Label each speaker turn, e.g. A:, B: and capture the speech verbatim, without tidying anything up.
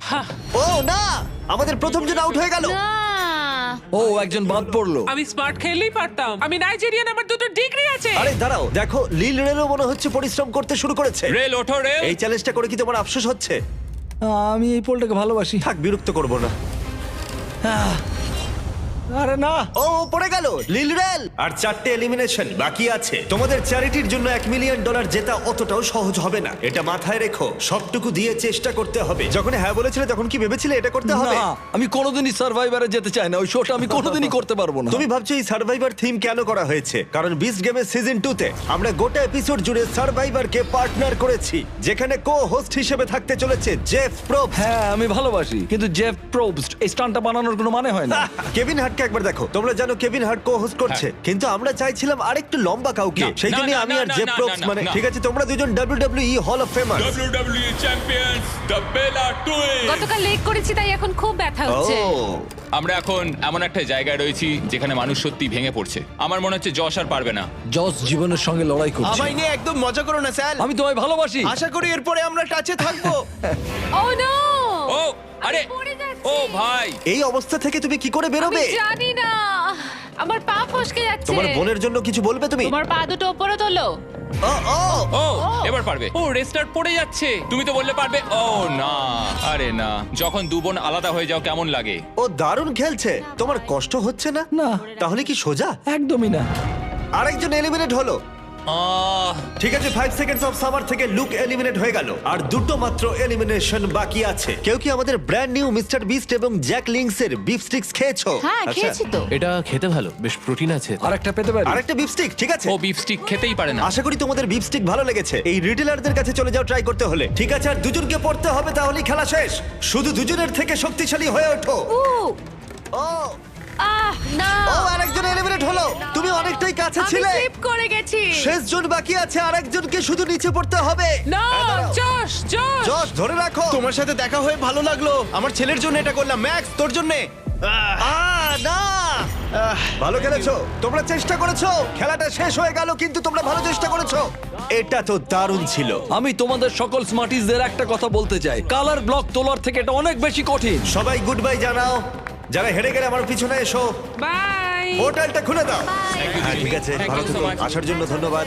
A: ও না, আমাদের প্রথম জন আউট হয়ে গেল।
B: না
C: ও একজন বাদ পড়লো।
D: আমি স্মার্ট খেললেই পারতাম। আমি নাইজেরিয়ান, আমার দুটো ডিগ্রি আছে।
A: আরে দাঁড়াও, দেখো লিল রেলও মনে হচ্ছে পরিশ্রম করতে শুরু করেছে।
E: রেল ওঠো রেল।
A: এই চ্যালেঞ্জটা করে কি তোমার আফসোস হচ্ছে?
C: আমি এই পোলটাকে ভালোবাসি।
A: থাক, বিরক্ত করব না।
C: আরে না,
A: ও পড়ে গেল লিল রেল। আর চারটে এলিমিনেশন বাকি আছে। তোমাদের চ্যারিটির জন্য এক মিলিয়ন ডলার জেতা অতটাও সহজ হবে না, এটা মাথায় রেখো। সবটুকু দিয়ে চেষ্টা করতে হবে। যখন হ্যাঁ বলেছিলে তখন কি ভেবেছিলে এটা করতে হবে?
C: না, আমি কোনোদিনই সার্ভাইভারে যেতে চাই না। ওই শোটা আমি কোনোদিনই করতে পারবো না।
A: তুমি ভাবছো এই সার্ভাইভার থিম কেন করা হয়েছে? কারণ বিস্ট গেমের সিজন টু তে আমরা গোটা এপিসোড জুড়ে সার্ভাইভারকে পার্টনার করেছি, যেখানে কো হোস্ট হিসেবে থাকতে চলেছে জেফ প্রোবস।
C: হ্যাঁ আমি ভালোবাসি, কিন্তু জেফ প্রোবস্ট এই স্টান্টটা বানানোর কোনো মানে হয় না।
A: কেভিন হার্টকে একবার দেখো। তোমরা জানো কেভিন হার্ট কো হোস্ট করছে, কিন্তু আমরা চাইছিলাম আরেকটু লম্বা কাউকে।
E: না,
A: সেই
E: না,
A: জন্য
E: না,
A: আমি
E: না,
A: আর
E: না,
A: জেফ
E: না,
A: প্রোবস
E: না,
A: মানে
E: না।
A: ঠিক আছে, তোমরা দুজন WWE hall of famer.
E: WWE champions the Bella twins.
B: গতকাল লেগ করেছি তাই এখন খুব ব্যথা হচ্ছে।
A: ও
E: আমরা এখন এমন একটা জায়গায় রয়েছি যেখানে মানুষ সত্যি ভেঙে পড়ছে। আমার মনে হচ্ছে যশ আর পারবে না।
C: জস জীবনের সঙ্গে লড়াই করছে।
F: আমায় নিয়ে একদম মজা করো না স্যার।
C: আমি তোমায় ভালোবাসি।
F: আশা করি এরপরে আমরা টাচে থাকবো।
B: ও নো!
E: ও আরে
B: পড়ে যাচ্ছি।
E: ও ভাই,
A: এই অবস্থা থেকে তুমি কি করে
B: আমি
A: বেরোবে?
B: জানি না, আমার পা ফসকে যাচ্ছে।
A: তোমার বোনের জন্য কিছু বলবে তুমি?
B: তোমার পা দুটো উপরে তোলো।
A: ও ও
E: ও এবার পারবে। ও রেস্টার্ট পড়ে যাচ্ছে। তুমি তো বললে পারবে। ও না, আরে না। যখন দু বোন আলাদা হয়ে যাও কেমন লাগে?
A: ও দারুণ খেলছে। তোমার কষ্ট হচ্ছে না?
C: না,
A: তাহলে কি সোজা?
C: একদমই না।
A: আরেকজন এলিমিনেট হলো।
E: আহ
A: ঠিক আছে, ফাইভ সেকেন্ডস অফ সামার থেকে লুক এলিমিনেট হয়ে গেল, আর দুটো মাত্র এলিমিনেশন বাকি আছে। কেউ কি আমাদের ব্র্যান্ড নিউ মিস্টার বিস্ট এবং জ্যাক লিংস এর বিফ স্টিক্স খেয়েছো?
B: হ্যাঁ
A: আচ্ছা।
B: খেয়েছি তো।
F: এটা খেতে ভালো, বেশ প্রোটিন আছে।
C: আরেকটা পেতে পারি?
A: আরেকটা বিফ স্টিক, ঠিক আছে।
E: ও বিফ স্টিক খেতেই পারে না।
A: আশা করি তোমাদের বিফ স্টিক ভালো লেগেছে। এই রিটেলারদের কাছে চলে যাও ট্রাই করতে হলে। ঠিক আছে, আর দুজনকে পড়তে হবে, তাহলেই খেলা শেষ। শুধু দুজনের থেকে শক্তিশালী হয়ে ওঠো।
B: উ,
A: ও
B: আহ না,
A: ও আরেকজন এলিমিনেট হলো। তুমি অনেকটাই কাছে
B: আমি
A: ছিলে।
B: স্লিপ করে গেছি।
A: শেষ জন বাকি আছে, আরেকজনকে শুধু নিচে পড়তে হবে।
D: না
A: হ্যাঁ, দাঁড়াও।
D: জশ জশ
A: জশ ধরে রাখো।
F: তোমার সাথে দেখা হয়ে ভালো লাগলো। আমার ছেলের জন্য এটা করলাম। ম্যাক্স, তোর জন্য।
A: আহ, না ভালো খেলেছো, তোমরা চেষ্টা করেছো। খেলাটা শেষ হয়ে গেল, কিন্তু তোমরা ভালো চেষ্টা করেছো। এটা তো দারুণ ছিল।
C: আমি তোমাদের সকল স্মার্টিসদের একটা কথা বলতে চাই, কালার ব্লক তোলার থেকে এটা অনেক বেশি কঠিন।
A: সবাই গুড বাই জানাও। যারা হেরে গেলে আমার পিছনে এসো।
D: বাই।
A: পোর্টালটা খুলে দাও।
E: Thank you,
A: হ্যাঁ
E: Jimmy.
A: ঠিক আছে,
E: Thank
A: ভালো
E: you so
A: থেকো।
E: much.
A: আসার জন্য ধন্যবাদ।